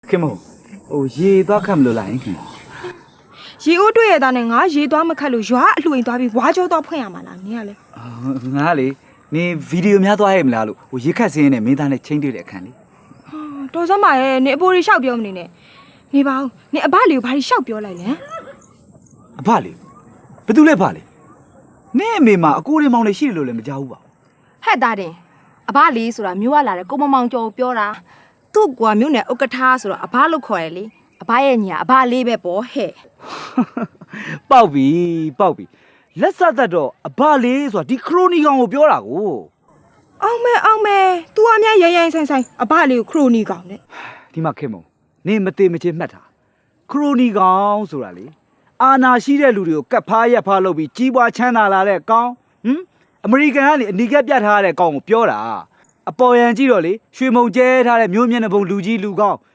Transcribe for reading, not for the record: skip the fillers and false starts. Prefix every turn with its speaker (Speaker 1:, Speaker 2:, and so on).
Speaker 1: ခင်မရေသွားခတ်မလို့လားခင်
Speaker 2: ရေအိုးတွေ့ရတာနဲ့ငါရေသွားမခတ်လို့ရွာအလှိမ်သွားပြီးဝါကြောတော့ဖွင့်ရမှာလားနင်ကလေ
Speaker 1: ငါလေနင်ဗီဒီယိုများသွားရဲ့မလားလို့ရေခတ်စင်းနဲ့မင်းသားနဲ့ချင်းတွေ့တဲ့အခန်းလေ
Speaker 2: တော်စမ်းပါရဲ့နင်အဖိုးလေးရှောက်ပြောမနေနဲ့နေပါဦးနင်အဘလေးကိုဘာလို့ရှောက်ပြောလိုက်လဲ
Speaker 1: အဘလေးဘယ်သူလဲဖလေနင့်အမေမှာအကိုတွေမောင်တွေရှိတယ်လို့လည်းမကြောက်ဘူးပါ
Speaker 3: ဟဲ့သားတင်အဘလေးဆိုတာမျိုးရလာတယ်ကိုမမောင်ကျော်ပြောတာသူ့ကွာမျိုးနဲ့ဥက္ကဋ္ဌဆိုတော့အဘလို့ခေါ်ရလေအဘရဲ့ညာအဘလေးပဲပေါ့ဟဲ့
Speaker 1: ပေါက်ပြီလက်ဆက်သက်တော့အဘလေးဆိုတာဒီခရိုနီကောင်ကိုပြောတာကို
Speaker 2: အောင်မဲ तू အမြဲရိုင်းဆိုင်အဘလေးကိုခရိုနီကောင်နဲ့
Speaker 1: ဒီမှာခင်မနင်မသေးမချင်းမှတ်တာခရိုနီကောင်ဆိုတာလေအာနာရှိတဲ့လူတွေကိုကတ်ဖားရက်ဖားလုပ်ပြီးကြီးပွားချမ်းသာလာတဲ့ကောင်အမေရိကန်ကနေအနီကပ်ပြတ်ထားတဲ့ကောင်ကိုပြောတာအပေါ်ယံကြည့်တော့လေရွှေမုံကျဲထားတဲ့မျိုးမျက်နှာပုံလူကြီးလူကောင်း